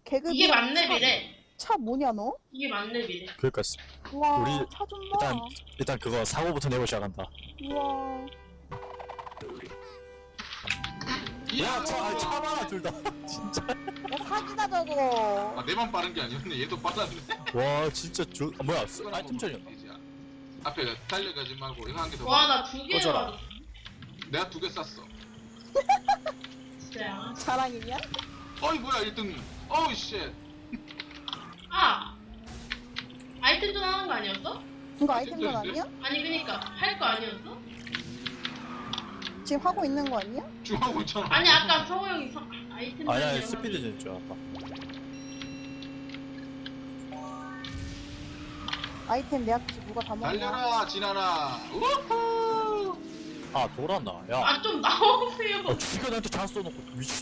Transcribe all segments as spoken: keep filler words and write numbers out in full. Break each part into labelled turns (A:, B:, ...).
A: 개그
B: 이게 만렙이래.
A: 차 뭐냐 너?
B: 이게 만렙이래.
C: 그러니까
A: 와,
C: 우리
A: 차 좀 봐.
C: 일단 일단 그거 사고부터 내고 시작한다.
A: 우와.
C: 야, 차, 차 많아 둘 다. 진짜.
A: 야 사기다 저거.
D: 아 내만 빠른 게 아니었네. 얘도 빨랐네.
C: 와, 진짜 조. 아, 뭐야? 아이템 전이야.
D: 앞에 달려가지 말고 이거 한 개 더.
B: 와, 나 두 개.
C: 꺼져라.
D: 내가 두 개 쐈어.
B: 진짜야.
A: 자랑이냐?
D: 어이 뭐야 일 등. 어우 쉣.
B: 아! 아이템전 하는 거 아니었어?
A: 이거 아이템전 아니야?
B: 아니, 그니까. 할 거 아니었어?
A: 지금 하고 있는 거 아니야?
D: 중하고 있잖아.
B: 아니, 아까 성호 형이 서, 아이템전.
C: 아니 아니 스피드 전인 줄 알았다.
A: 아이템 내 앞에서 누가 다 먹냐?
D: 달려라 진아나. 우후.
C: 아 돌았나? 야.
B: 아, 좀 나오세요.
C: 어, 죽여 나한테 잘 쏘놓고 미치.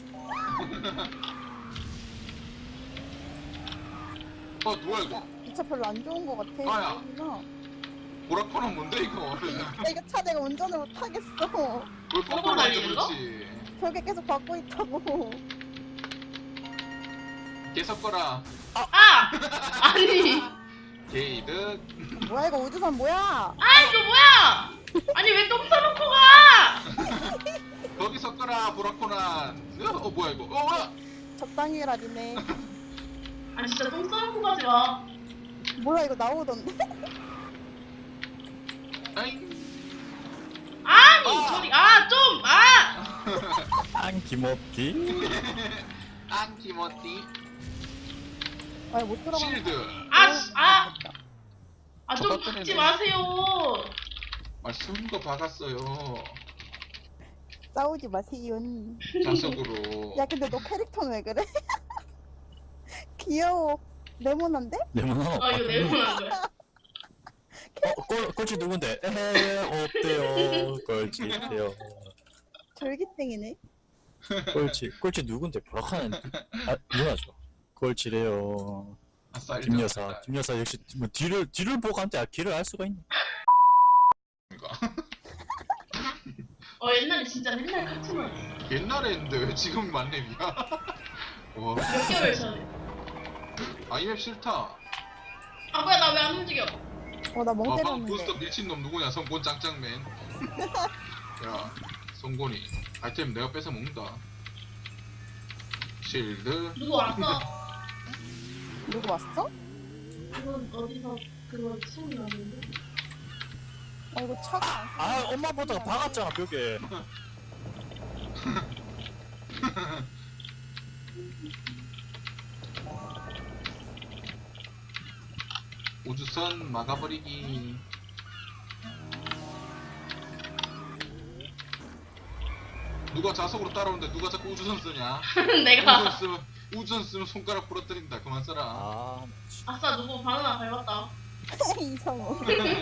D: 어 뭐야 이거?
A: 이 차 별로 안 좋은 거 같아.
D: 아야.
A: 나
D: 보라코는 뭔데 이거?
A: 이거 차 내가 운전을 못 하겠어.
D: 왜
B: 뽀뽀
D: 뽀뽀를 하지
B: 날리는 거?
D: 그렇지?
A: 벽에 계속 받고 있다고.
D: 계속 거라.
B: 아! 아니.
D: 게이드.
A: 뭐야 이거 우주선 뭐야?
B: 아, 이거 뭐야! 아니, 왜 똥 싸놓고 가!
D: 거기서 거라 보라코난. 어 뭐야 이거? 어 뭐야?
A: 적당히 해라 니네.
B: 아, 진짜 똥 싸놓고 가지 마.
A: 뭐야 이거 나오던데?
D: 아잉.
B: 아니,
D: 아!
B: 저리, 아, 좀! 아!
C: 안 기모띠.
D: 안티모티.
A: 아니 못 들어가.
D: 실드.
B: 아, 씨, 아! 아, 좀
D: 저것들이네.
B: 박지 마세요.
D: 아 숨은 거 박았어요.
A: 싸우지 마세요.
D: 자석으로.
A: 야 근데 너 캐릭터는 왜 그래? 귀여워. 네모난데?
C: 네모난
B: 아, 이거 네모난 거야.
C: 어, 꼴, 꼴찌 누군데? 에헤, 없대요. 꼴찌래요.
A: 절기땡이네.
C: 꼴찌, 꼴찌 누군데? 보라카는 아, 누나죠. 꼴찌래요.
D: 아싸
C: 김 여사, 김 여사 역시 뭐 뒤를 뒤를 보고 한테 아, 길을 알 수가 있네.
B: 어, 옛날에 진짜 맨날 카트만.
D: 옛날에 했는데 왜 지금 만렙이야? 와.
B: 몇 개월 전에.
D: 아 이 맵 싫다.
B: 아, 뭐야, 나 왜 안 움직여?
A: 어나 멍
D: 아 방금
A: 때렸는데.
D: 부스터 밀친 놈 누구냐? 성곤 짱짱맨. 야 성곤이 아이템 내가 뺏어 먹는다. 실드.
B: 누구 왔어?
A: 누구 왔어?
B: 이건 어디서 그거 소리 나는데?
A: 아 이거 차가 안
C: 아, 엄마 보다가 박았잖아 벽에.
D: 우주선 막아버리기. 누가 자석으로 따라오는데 누가 자꾸 우주선 쓰냐?
B: 내가.
D: 우주선 쓰면 우주선 쓰면 손가락 부러뜨린다. 그만 써라.
C: 아,
B: 아싸, 누구 바나나 밟았다.
A: 이성우.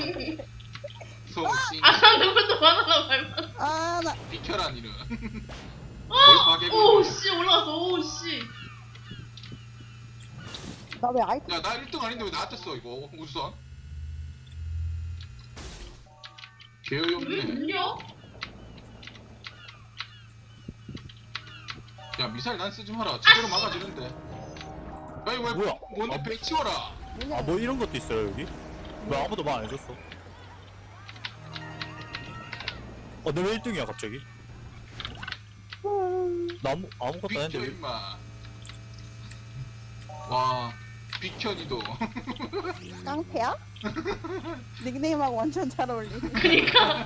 D: 성씨
B: 아싸, 누구도 바나나 밟았다.
A: 아나
D: 비켜라 니는. 뭘
B: 오,
D: 파괴고.
B: 씨, 올라왔어, 오, 씨.
A: 나 왜 아이템
D: 야나 일 등 아닌데 왜 나한테 써 이거 우주선? 개요이
B: 왜
D: 없네.
B: 울려?
D: 야 미사일 난 쓰지 마라. 제대로 막아지는데. 아니 왜
C: 뭐야?
D: 뭔데
C: 아,
D: 배 치워라.
A: 뭐냐?
C: 아, 뭐 이런 것도 있어요 여기? 왜 아무도 말 안 해줬어? 어, 너 왜 일 등이야 갑자기?
A: 음,
C: 나 아무 아무것도 안
D: 비켜
C: 했는데 왜?
D: 임마. 와 비켜니도.
A: 깡패야? 닉네임하고 완전 잘 어울리네.
B: 그니까.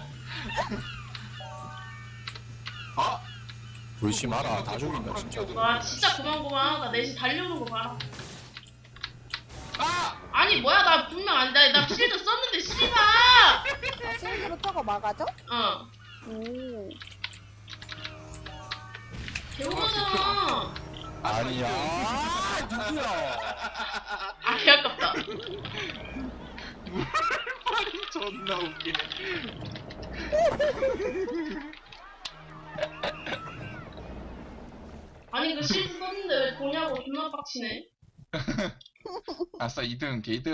D: 아
C: 불씨 마라 다 죽인다 진짜.
B: 와, 진짜 고만고만하다. 내신 달려오는 거 봐라.
D: 아!
B: 아니, 뭐야, 나 분명 안 돼. 나 실드 썼는데, 씨발!
A: 아, 실드로 저거 막아줘?
B: 어.
A: 오.
B: 개오잖아.
C: 아니야. 아, 누구야?
B: 아, 개 아깝다.
D: 말이 존나 웃기네.
B: 아니, 그 실드 썼는데 왜 도냐고 존나 빡치네.
D: 아싸 이 등 게이드.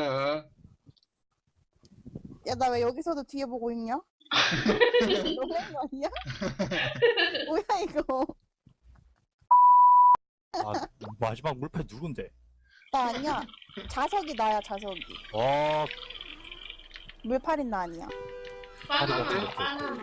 A: 야 나 왜 여기서도 뒤에 보고 있냐? 너무한 거 아니야? 뭐야 이거?
C: 아 마지막 물패 누군데?
A: 나 아니야. 자석이 나야 자석이.
C: 어
A: 물팔인 나 아니야.
B: 바나나
C: 가져가.
B: 바나나.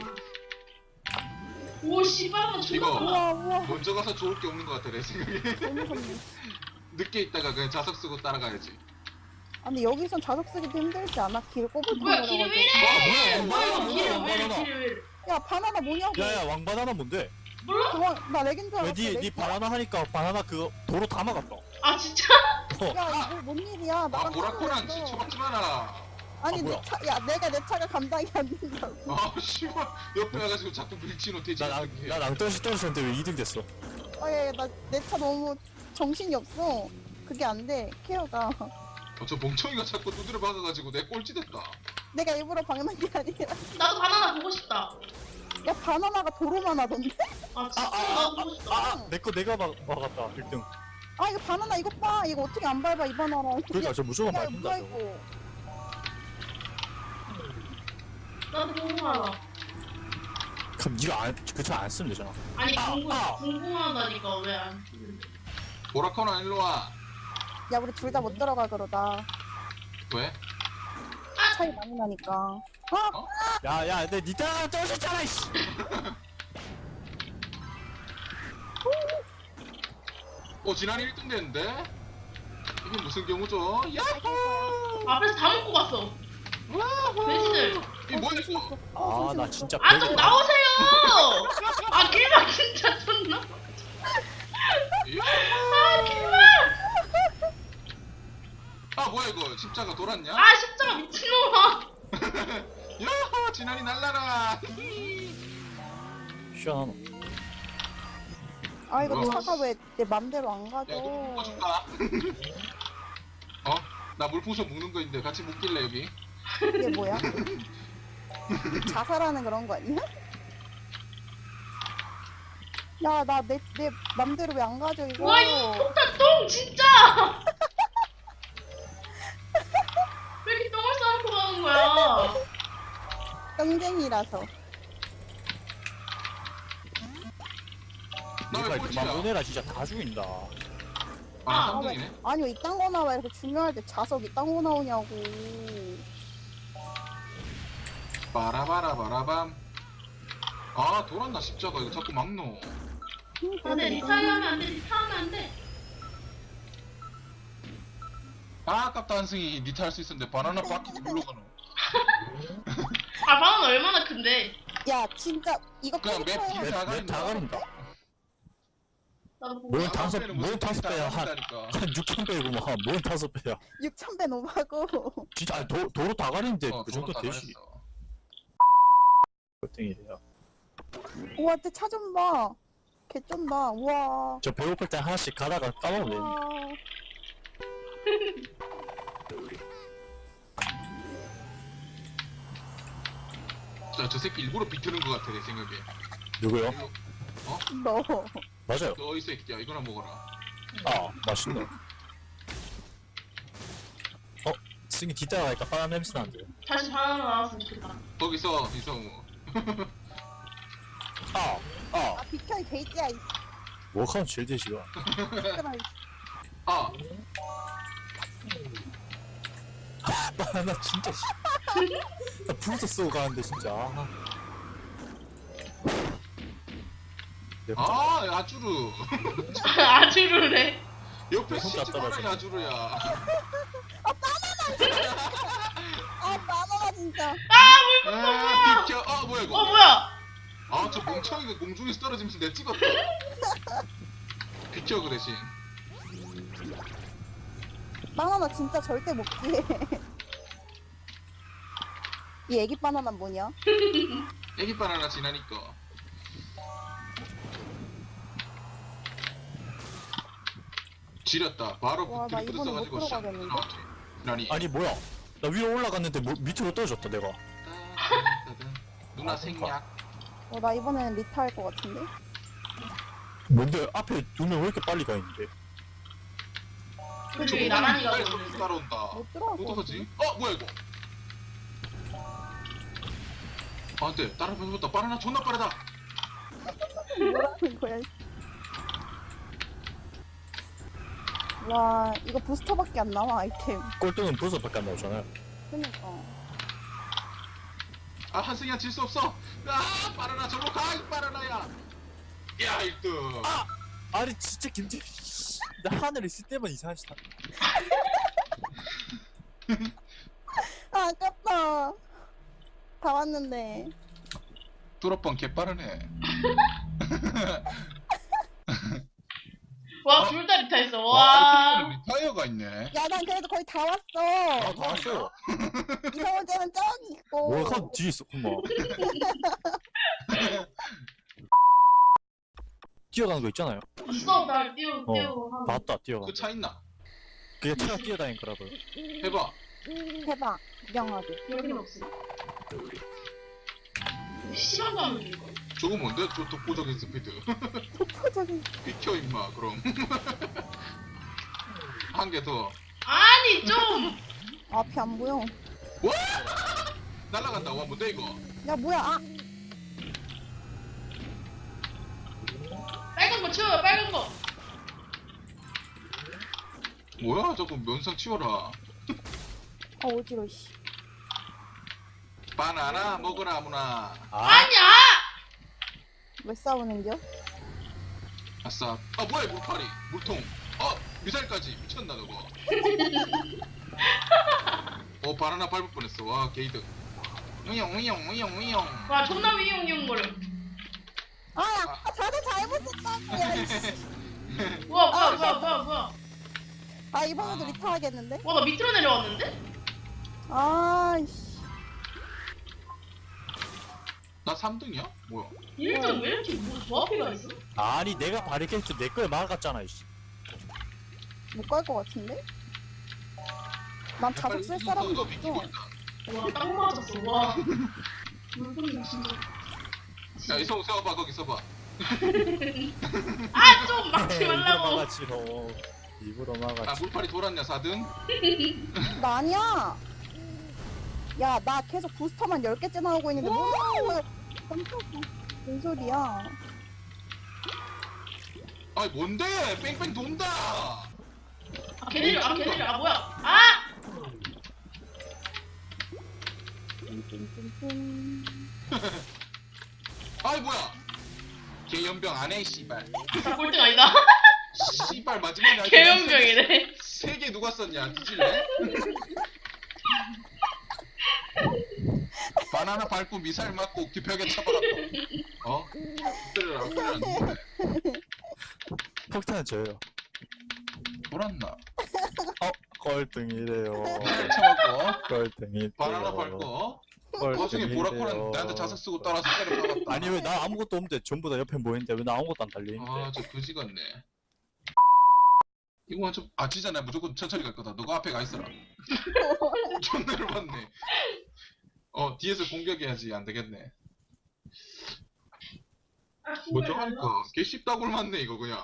B: 오 씨발은 존나
D: 이거.
B: 많아.
A: 우와 우와.
D: 먼저 가서 좋을 게 없는 것 같아 내 생각에.
A: 너무 무섭네.
D: 늦게 있다가 그냥 자석 쓰고 따라가야지.
A: 아 근데 여기선 자석 쓰기도 힘들지 않아? 길
B: 뭐야 길이 왜 이래?
C: 아, 뭐야,
B: 뭐야
C: 뭐야,
B: 길이
C: 뭐야,
B: 왜 이래
C: 뭐야,
B: 길이 왜 이래?
A: 야 바나나 뭐냐고.
C: 야야 왕바나나 뭔데?
B: 몰라?
A: 그거 나 렉인 줄 알았어.
C: 왜니 니
A: 렉이야?
C: 바나나 하니까 바나나 그거 도로 다 막았다.
B: 아 진짜?
A: 야 이거 뭔 일이야?
D: 아
A: 나랑
D: 보라코랑
A: 차가 있어.
D: 쳐박지 마라.
A: 아니
C: 아, 뭐야?
A: 내 차, 야 내가 내 차가 감당이 안 된다고.
D: 아 씨발 옆에 와가지고 자꾸 밀치노 돼지 같은 게.
C: 나나 낭떠러시 떨어졌는데 왜 이 등 됐어?
A: 아예 나 내 차 너무 정신이 없어. 그게 안 돼. 케어가.
D: 어, 저 멍청이가 자꾸 두드려 박아가지고 내 꼴찌 됐다.
A: 내가 일부러 방해한 게 아니라.
B: 나도 바나나 보고 싶다.
A: 야 바나나가 도로만 하던데?
B: 아 진짜
C: 아, 아,
B: 나도 보고 싶다.
C: 아 내 거 내가 막 막았다 일 등.
A: 아 이거 바나나 이거 봐. 이거 어떻게 안 밟아 이 바나나.
C: 그러니까 저 무조건
A: 야 이거
C: 밟힌다.
A: 뭐야
C: 저거.
A: 이거.
B: 나도 궁금하다.
C: 그럼 니가 안그차안 쓰면 되잖아.
B: 아니
C: 아,
B: 궁금
C: 아.
B: 궁금하다니까 왜 안?
D: 보라코랑 일로 와.
A: 야 우리 둘 다 못 들어가 그러다.
D: 왜?
A: 차이 많이 나니까. 아
C: 야야 내 니 따라 떨어졌잖아 이씨.
D: 어 지난해 일 등 됐는데? 이게 무슨 경우죠? 야호!
B: 앞에서 다 먹고 갔어. 돼지들.
D: 이 뭐야 이거?
C: 아 나 진짜
B: 아 좀
C: 별로-
B: 나오세요. 아 길막 진짜 존나. 아 길막.
D: 아 뭐야 이거 십자가 돌았냐?
B: 아 십자가 미친놈아.
D: 야호! 지난이 날라라!
C: 시원하노.
A: 아 이거
D: 뭐야?
A: 차가 왜 내 맘대로 안
D: 야
A: 가져?
D: 이거 묶어줄까? 어? 나 물풍선 묶는 거 있는데 같이 묶길래 여기?
A: 이게 뭐야? 자살하는 그런 거 아니야? 야 나 내 내 맘대로 왜 안 가져 이거?
B: 와 이 폭탄 똥 진짜. 왜 이렇게 똥을 싸놓고 가는 거야?
A: 땡땡이라서.
D: 나 왜
C: 니가
D: 꼴찌야?
C: 그만 보내라 진짜 다 죽인다.
D: 아
B: 아,
D: 삼 등이네?
A: 아니 왜 이딴 거 나와 이렇게 중요할 때 자석 이딴 거 나오냐고.
D: 빠라바라바라밤. 아 돌았나 십자가 이거 자꾸 막노.
B: 안돼 리타일 하면 안돼 리타하면 안돼.
D: 아 아깝다 한승이 니타 할 수 있었는데 바나나 바퀴 눌러 가노.
B: 아 바나나 얼마나 큰데?
A: 야 진짜 이거
D: 그냥 맵
A: 캐릭터에
D: 뒤에 다
C: 내 다 가린다.
B: 나도 보고
C: 뭘
B: 싶다.
C: 다섯
D: 앞에는
C: 뭘
D: 무슨
C: 다섯
D: 다
C: 배야 한
D: 가린다니까.
C: 한 육천 배구만 뭘 다섯 배야.
A: 육천 배 노바고.
C: 진짜 아니, 도 도로 다 가리는데
D: 어,
C: 그 정도
D: 도로 다
C: 되지.
D: 가렸어.
C: 몇 등이래요.
A: 우와 쟤차 좀 봐. 개쩐다. 우와.
C: 저 배고플 때 하나씩 가다가 까먹으면 되는데.
A: 우와.
D: 자, 저 새끼 일부러 비트는 것 같아 내 생각에.
C: 누구요?
D: 일로-
A: 너.
C: 맞아요.
D: 너 어디 새끼야 이거나 먹어라.
C: 아 맛있네. 어 승이 뒤따라가니까 바나나 냄새 나는데.
B: 다시 바나나 나왔으면 좋겠다.
D: 거기서 이성우.
C: 아 아.
A: 아 비켜 이 돼지야. 이
C: 뭐하면 제일 되시가.
A: 새끼들아, 이
D: 아
C: 바나나 진짜 씨. 나 불도 쓰고 가는데 진짜. 아. 내 혼자-
D: 아, 야주르.
B: 아주르래.
D: 옆에
C: 혼자
D: 시지 마라,
C: 떨어져.
D: 야주르야.
A: 아 바나나 진짜.
D: 아, 비켜. 아, 뭐야,
B: 어
D: 이거.
B: 뭐야?
D: 아, 저 멍청이가 공중에서 떨어지면서 내 찍었다. 비켜, 그 대신.
A: 바나나 진짜 절대 못 피해. 이 애기 바나나 뭐냐?
D: 애기 바나나 지나니까. 지렸다. 바로
A: 와, 나
D: 드리프트
A: 이번에 못
D: 써가지고 샷
A: 들어가겠는데?
D: 나왔지. 나니.
C: 아니 뭐야? 나 위로 올라갔는데 뭐, 밑으로 떨어졌다 내가.
D: 누나
C: 아,
D: 생략.
A: 어, 나 이번에는 리타 할 것 같은데?
C: 뭔데 앞에 두 명 왜 이렇게 빨리 가 있는데?
B: 그게 나란히 가고
D: 빨리
B: 있는데.
D: 따라온다.
A: 못 들어갈 것
D: 어떡하지?
A: 같은데?
D: 어, 뭐야 이거? 아, 안돼. 따라붙었다. 바나나 존나 빠르다.
A: 뭐라는 거야? 와 이거 부스터밖에 안 나와 아이템.
C: 꼴등은 부서밖에 안 나오잖아요.
A: 그니까.
D: 아 한승이야 질 수 없어. 아 빠르나 저로 가 이 빠르나야. 야 일 등.
C: 아! 아니 진짜 김재 나 하늘에 있을 때만 이상한 짓 하네.
A: 아 아깝다. 다 왔는데.
D: 뚜러뻥 개 빠르네.
B: 와,
D: 어?
B: 둘 다 리타 했어.
D: 와
B: 와.
D: 리타이어가 있네.
A: 야 난 그래도 거의 다 왔어.
C: 아, 다 왔어요.
A: 이성훈제는 저기 있고.
C: 뭐야, 한 뒤에 있었구만. 뛰어가는 거 있잖아요.
B: 있어, 날 띄우,
C: 어,
B: 띄우. 하고.
C: 봤다, 뛰어가.
D: 그 차 있나?
C: 그게 차가 뛰어다닌 거라고요.
D: 해봐.
A: 해봐. 구경하게.
B: 여긴 없어. 시간도 안 걸리고.
D: 저거 뭔데? 저 독보적인 스피드.
A: 독보적인.
D: 비켜 임마 그럼. 한 개 더.
B: 아니, 좀!
A: 앞이 안 보여.
D: 날라간다. 와 뭔데 이거?
A: 야 뭐야? 아
B: 빨간 거 치워요, 빨간 거.
D: 뭐야 저거 면상 치워라.
A: 아, 어지러 씨.
D: 바나나 먹으라 아무나.
C: 아,
B: 아니야!
A: 왜 싸우는겨?
D: 아싸. 아 뭐야 이 물파리. 물통. 어 미사일까지 미쳤나 저거. 어 바나나 밟을 뻔했어. 와 게이드. 우영 우영 우영 우영.
B: 와, 존나 위용위용거려.
A: 아, 아 다들 잘못 썼다고. 야, 이씨.
B: 우와, 뭐야, 뭐야, 뭐야, 뭐야.
A: 아 이번에도 리타 하겠는데?
B: 와, 나 밑으로 내려왔는데?
A: 아, 씨.
D: 나 삼 등이야? 뭐야?
B: 일 등 왜 이렇게 뭐 조합해가 있어?
C: 아니 내가 바리케이트 내 거에 막았잖아, 이씨.
A: 못 갈 것 같은데? 난 자석 쓸 사람도 없어.
B: 와, 딱 맞았어, 와. 물건이 진짜.
D: 야 이성 세워봐 거기 서봐.
B: 아, 좀 막지
C: 일부러
B: 말라고.
C: 막았지, 너. 일부러
D: 아
C: 막았지.
D: 물파리 돌았냐 사 등?
A: 나 아니야. 야, 나 계속 부스터만 열 개째 나오고 있는데 뭐야? 깜짝이야. 뭔 소리야?
D: 아이 뭔데? 뺑뺑 돈다.
B: 아, 걔네들, 아, 걔네들, 아, 뭐야. 아!
A: 띵띵띵띵.
D: 아이 뭐야? 걔 연병 안 해 씨발.
B: 나 꼴등 아니다.
D: 씨발 마지막에
B: 개연병이네.
D: 세개 누가 썼냐? 뒤질래? 바나나 밟고 미사일 맞고 벽에 쳐박았다. 어? 엎드려라 엎드려라 누구네?
C: 폭탄은 저예요.
D: 돌았나?
C: 어, 꼴등이래요.
D: 미사일 쳐박고
C: 꼴등이.
D: 바나나 밟고 그 와중에 보라코는 나한테 자석 쓰고 따라서 때려 박았다.
C: 아니 왜 나 아무것도 없는데 전부 다 옆에 모이는데 왜 나 아무것도 안 달리는데?
D: 아저 그지 같네. 이거 좀 아치잖아. 무조건 천천히 갈 거다. 너가 앞에 가 있어라. 존나 열받네. 어 뒤에서 공격해야지 안 되겠네. 먼저 하니까 개 쉽다고 맞네 이거 그냥.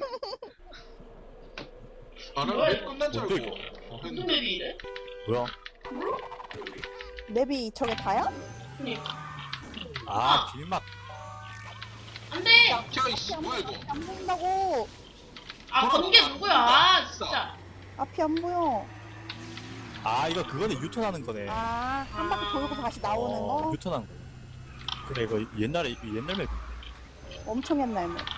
D: 아나맵 끝난 줄 알고 어,
B: 무슨
D: 했는데
B: 맵이 이래?
C: 뭐야?
A: 맵이 저게 다야?
B: 그니까.
C: 아, 길막.
B: 안 돼!
D: 켜 이씨 뭐야 이거.
A: 안 보인다고.
B: 아, 번개 누구야? 아, 진짜.
A: 앞이 안 보여.
C: 아, 이거 그거네, 유턴하는 거네.
A: 아, 한 바퀴 돌고 다시 나오는
C: 어,
A: 거?
C: 유턴한 거. 그래, 이거 옛날에 이거 옛날 맵.
A: 엄청 옛날 맵.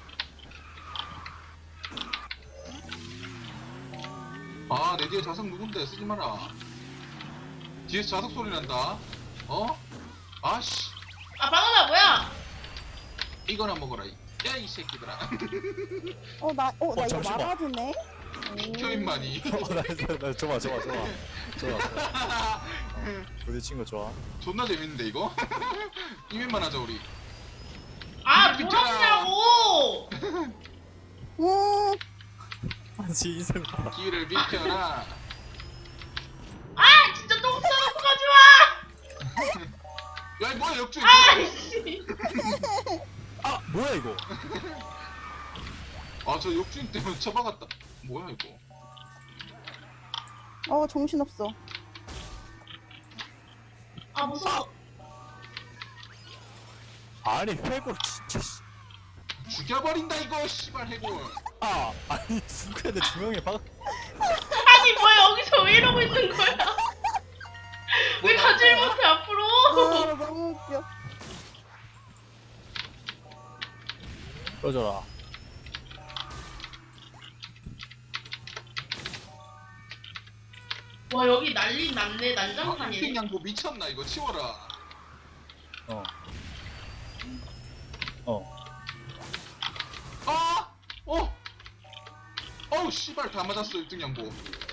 D: 아 내 뒤에 자석 누군데 쓰지 마라. 뒤에서 자석 소리 난다. 어? 아씨
B: 아, 방어다, 뭐야?
D: 이거나 먹어라. 야 이 새끼들아.
A: 어, 나, 어, 나
C: 어,
A: 이거
C: 잠시만.
A: 막아주네?
D: 비켜 임마니.
C: 어, 나, 나, 나, 좋아, 좋아, 좋아. 좋아. 어, 부딪힌 거 좋아.
D: 존나 재밌는데 이거? 이면만 하자 우리.
B: 아,
D: 비켜라.
B: 뭐라냐고!
A: 음,
C: 아니, 인생 봐.
D: 길을 비켜라.
B: 아, 진짜 똥 싸놓고 가지 마!
D: 야 이 뭐야 역주행.
B: 아이씨.
C: 아, 뭐야, 이거?
D: 아저 역주행 때문에 쳐박았다. 뭐야 이거.
A: 어, 정신없어.
B: 아, 무서워.
C: 아니, 회골 진짜. 씨.
D: 죽여버린다 이거 씨발 해골.
C: 아 아니 누가 내두 명이 막
B: 아니 뭐야 여기서 왜 이러고 있는 거야? 왜 가질 못해 앞으로?
A: 아 너무 웃겨.
C: 꺼져라.
B: 와 여기 난리 났네
D: 아,
B: 난장판이네.
D: 양보 미쳤나 이거 치워라.
C: 어. 어.
D: 아! 어! 어우 씨발 다 맞았어 일 등 양보.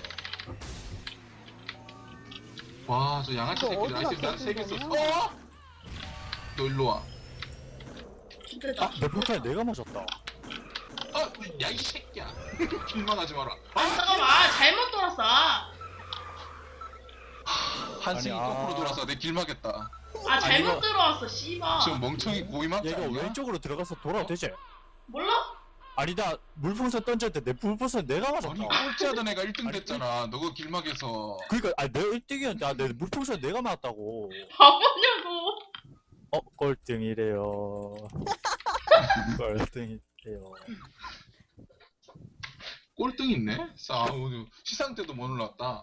D: 와 저 양아치
A: 이거
D: 새끼들
A: 어디가
D: 아이템 난세 개
A: 깨진
D: 썼어.
A: 거냐?
D: 어? 너 일로 와.
B: 진짜다.
C: 내 폭탄에 내가 맞았다.
D: 아! 야 이 새끼야. 길망하지 마라.
B: 아 잠깐만 아, 잘못 돌았어. 아
D: 한승이
C: 아니, 아.
D: 거꾸로 돌아서 내 길막했다.
B: 아, 잘못
C: 이거-
B: 들어왔어 씨발.
D: 저 멍청이 고이막자
C: 얘가
D: 아니야?
C: 왼쪽으로 들어가서 돌아도 되지?
B: 몰라?
C: 아니 나 물풍선 던질 때 내 물풍선 내가 맞았다.
D: 아니 꼴찌하던 애가 일 등
C: 아니,
D: 됐잖아. 너가 길막에서.
C: 그러니까 아니 내가 일 등이었는데 아, 내 물풍선 내가 맞았다고.
B: 바보냐고.
C: 어 꼴등이래요. 꼴등이래요.
D: 꼴등 있네? 싸우 시상 때도 못 올랐다.